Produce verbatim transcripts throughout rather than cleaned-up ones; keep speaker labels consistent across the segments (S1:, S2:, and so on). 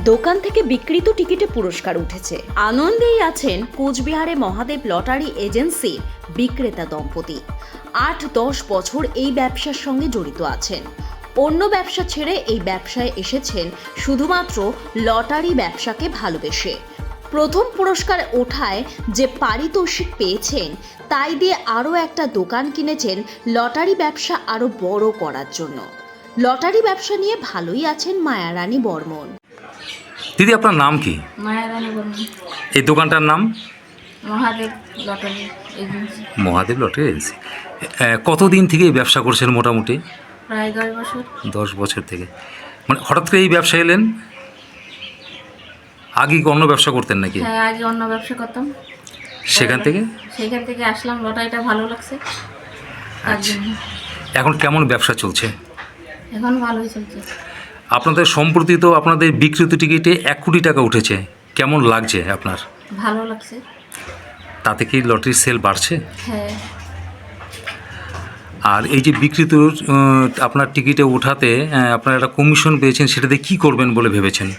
S1: দোকান থেকে বিক্রিত টিকিটে পুরস্কার উঠেছে। আনন্দেই আছেন কোচবিহারে মহাদেব লটারি এজেন্সির বিক্রেতা দম্পতি। আট দশ বছর এই ব্যবসার সঙ্গে জড়িত আছেন। অন্য ব্যবসা ছেড়ে এই ব্যবসায় এসেছেন শুধুমাত্র লটারি ব্যবসাকে ভালোবেসে। প্রথম পুরস্কার ওঠায় যে পারিতোষিক পেয়েছেন তাই দিয়ে আরও একটা দোকান কিনেছেন লটারি ব্যবসা আরও বড় করার জন্য। লটারি ব্যবসা নিয়ে ভালোই আছেন মায়ারানী বর্মন।
S2: দিদি, আপনার নাম কি?
S3: মায়ারানী বর্মন।
S2: এই দোকানটার নাম?
S3: Mahadev lottery agency.
S2: Mahadev lottery agency. কতদিন থেকে এই ব্যবসা করছেন মোটামুটি?
S3: প্রায় দশ বছর।
S2: দশ বছর থেকে। মানে হঠাৎ করে এই ব্যবসা এলেন? আগে কি অন্য ব্যবসা করতেন নাকি?
S3: হ্যাঁ, আগে অন্য ব্যবসা করতাম।
S2: সেখান থেকে
S3: সেখান থেকে আসলাম, লটারিটা ভালো লাগছে তার
S2: আচ্ছা।
S3: জন্য।
S2: এখন কেমন ব্যবসা চলছে?
S3: এখন ভালোই চলছে।
S2: আপনাদের সম্প্রতি তো আপনাদের বিক্রিত টিকিটে এক কোটি টাকা উঠেছে, কেমন লাগছে আপনার?
S3: ভালো লাগছে।
S2: তাতে কি লটারির সেল বাড়ছে?
S3: হ্যাঁ।
S2: আর এই যে বিক্রিত আহ, আপনার টিকিটে ওঠাতে আহ, আপনারা একটা কমিশন পেয়েছেন, সেটাতে কি করবেন বলে ভেবেছেন?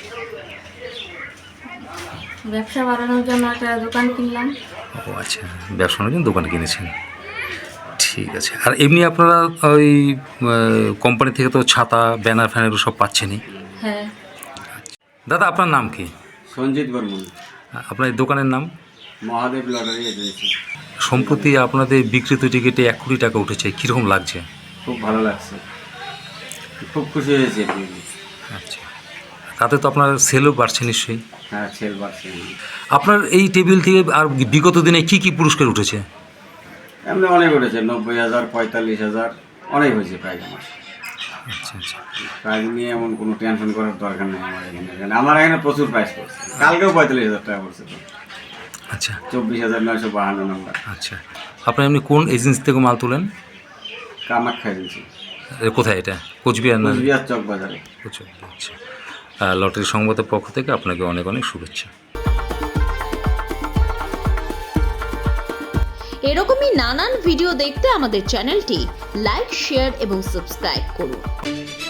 S3: ব্যবসা বাড়ানোর জন্য একটা দোকান কিনলাম।
S2: ও আচ্ছা, ব্যবসা করার জন্য দোকান কিনেছেন, ঠিক আছে। আর এমনি আপনারা ওই কোম্পানি থেকে তো ছাতা, ব্যানার ফ্যানার সব পাচ্ছেনই।
S3: হ্যাঁ।
S2: দাদা, আপনার নাম কি?
S4: সঞ্জিত বর্মন।
S2: আপনার এই দোকানের নাম?
S4: Mahadev lottery agency.
S2: সম্প্রতি আপনাদের বিক্রিত টিকিটে এক কোটি টাকা উঠেছে, কীরকম লাগছে?
S4: খুব ভালো লাগছে, খুব খুশি হয়েছে।
S2: আচ্ছা, তাতে তো আপনার সেলও বাড়ছে নিশ্চয়ই?
S4: হ্যাঁ, সেল বাড়ছে।
S2: আপনার এই টেবিল থেকে আর বিগত দিনে কি কি পুরস্কার উঠেছে?
S4: এমনি অনেক উঠেছে, নব্বই হাজার, পঁয়তাল্লিশ হাজার, অনেক হয়েছে প্রাইজ আমার।
S2: আচ্ছা আচ্ছা।
S4: প্রাইজ নিয়ে এমন কোনো টেনশন করার দরকার নেই আমার এখানে। এখানে আমার এখানে প্রচুর প্রাইজ করছে, কালকেও পঁয়তাল্লিশ হাজার টাকা করছে তো।
S2: আচ্ছা,
S4: চব্বিশ হাজার নয়শো বাহান্ন নম্বর।
S2: আচ্ছা। আপনি এমনি কোন এজেন্সি থেকে মাল তোলেন?
S4: কামাখ্যা এজেন্সি।
S2: এ কোথায় এটা? কোচবিহার না?
S4: কোচবিহার চক বাজারে।
S2: কোচবিহার, আচ্ছা। লটারি সংবাদের পক্ষ থেকে আপনাকে অনেক অনেক শুভেচ্ছা।
S1: এরকমই নানান ভিডিও দেখতে আমাদের চ্যানেলটি লাইক, শেয়ার এবং সাবস্ক্রাইব করুন।